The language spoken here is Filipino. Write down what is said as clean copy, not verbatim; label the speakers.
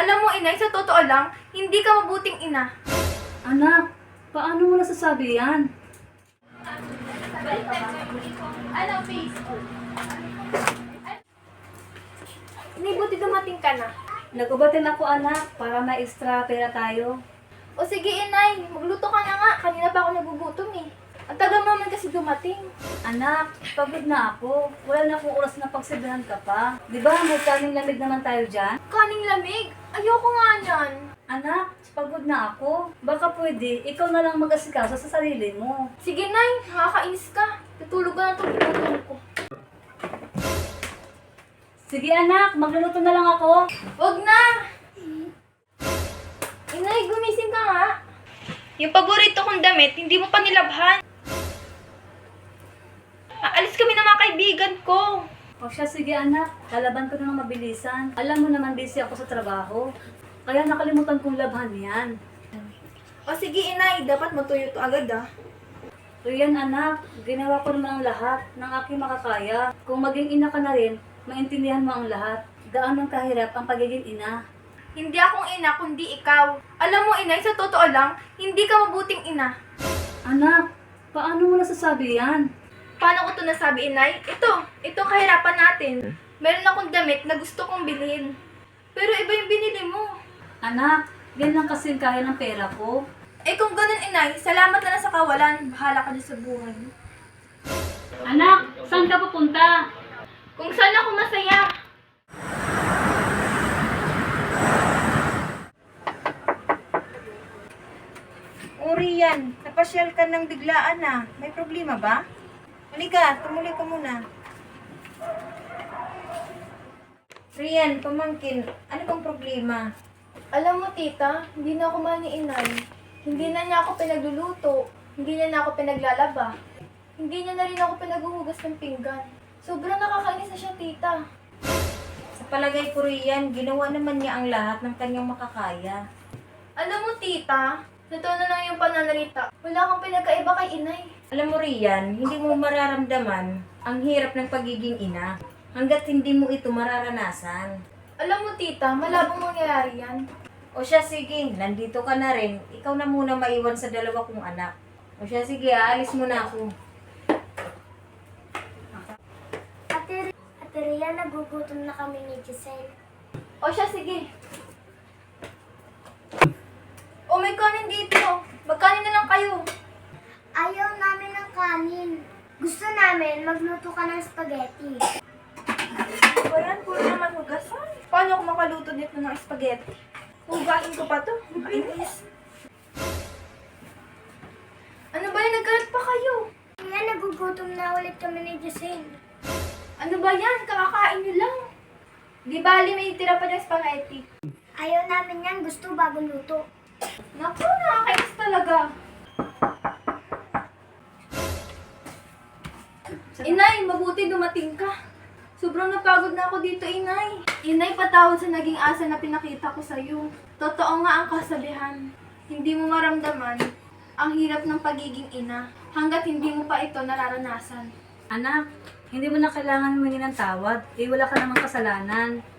Speaker 1: Alam mo, inay, sa totoo lang, hindi ka mabuting ina.
Speaker 2: Anak, paano mo nasasabi yan?
Speaker 1: Ano, Facebook? Inay, buti dumating ka na.
Speaker 2: Nagubatin ako anak, para may extra pera tayo.
Speaker 1: O sige, inay, magluto ka na nga. Kanina pa ako nagugutom eh. Ang tagal mo naman kasi dumating.
Speaker 2: Anak, pagod na ako. Wala na akong oras na pagsabihan ka pa. Di ba may kaning lamig naman tayo dyan?
Speaker 1: Kaning lamig? Ayoko nga niyan.
Speaker 2: Anak, pagod na ako. Baka pwede, ikaw na lang mag-asikaso sa sarili mo.
Speaker 1: Sige, nay, nakakainis ka. Tutulog ka na itong pinatulog ko.
Speaker 2: Sige anak, magluluto na lang ako.
Speaker 1: Wag na! Inay, gumising ka nga. Yung paborito kong damit, hindi mo pa nilabhan. Aalis kami ng mga kaibigan ko.
Speaker 2: O siya, sige anak, lalaban ko na ng mabilisan. Alam mo naman busy ako sa trabaho. Kaya nakalimutan kong labhan yan.
Speaker 1: O sige, inay, dapat matuyo to agad ah.
Speaker 2: So yan anak, ginawa ko naman ang lahat ng aking makakaya. Kung maging ina ka na rin, maintindihan mo ang lahat. Gaano kahirap ang pagiging ina.
Speaker 1: Hindi akong ina, kundi ikaw. Alam mo, inay, sa totoo lang, hindi ka mabuting ina.
Speaker 2: Anak, paano mo nasasabi yan?
Speaker 1: Paano ko ito nasabi, inay? Ito kahirapan natin. Meron akong damit na gusto kong bilhin. Pero iba yung binili mo.
Speaker 2: Anak, yan lang kasi ang kaya ng pera ko.
Speaker 1: Eh kung ganun, inay, salamat na lang sa kawalan. Bahala ka na sa buhay.
Speaker 2: Anak, saan ka pupunta?
Speaker 1: Kung saan ako masaya.
Speaker 3: Rian, napasyal ka ng biglaan na. May problema ba? Halika, tumuloy ka muna. Rian, pamangkin, ano bang problema?
Speaker 1: Alam mo, tita, hindi na ako mahal ni inay. Hindi na niya ako pinagluluto. Hindi niya na ako pinaglalaba. Hindi niya na rin ako pinaghuhugas ng pinggan. Sobrang nakakainis na siya, tita.
Speaker 3: Sa palagay ko, Rian, ginawa naman niya ang lahat ng kanyang makakaya.
Speaker 1: Alam mo, tita, totoo na lang yung pananalita. Wala kang pinagkaiba kay inay.
Speaker 3: Alam mo, Rian, hindi mo mararamdaman ang hirap ng pagiging ina hanggat hindi mo ito mararanasan.
Speaker 1: Alam mo, tita, malabong mangyayari yan.
Speaker 3: O siya, sige, nandito ka na rin. Ikaw na muna maiwan sa dalawa kong anak. O siya, sige, aalis mo na ako.
Speaker 4: Ate Rhea, nagugutom na kami ni Giselle.
Speaker 1: O siya, sige. O may kanin dito. Magkanin na lang kayo.
Speaker 4: Ayaw namin ng kanin. Gusto namin magluto ka ng spaghetti.
Speaker 1: Ano ba yan? Puro naman hugasan. Paano ako makaluto dito ng spaghetti? Hugain ko pa to. Mainis. Ano ba yan? Nagkalat pa kayo.
Speaker 4: Kaya nagugutom na ulit kami ni Giselle.
Speaker 1: Ano ba yan? Kakakain nyo lang. Di bali may tira pa ng spaghetti.
Speaker 4: Ayaw namin yan. Gusto bagong luto.
Speaker 1: Naku, nakakainis talaga. Inay, mabuti dumating ka. Sobrang napagod na ako dito, Inay. Inay, patawad sa naging asa na pinakita ko sa'yo. Totoo nga ang kasabihan. Hindi mo maramdaman ang hirap ng pagiging ina hanggat hindi mo pa ito nararanasan.
Speaker 2: Anak, hindi mo na kailangan humingi ng tawad. Eh, wala ka namang kasalanan.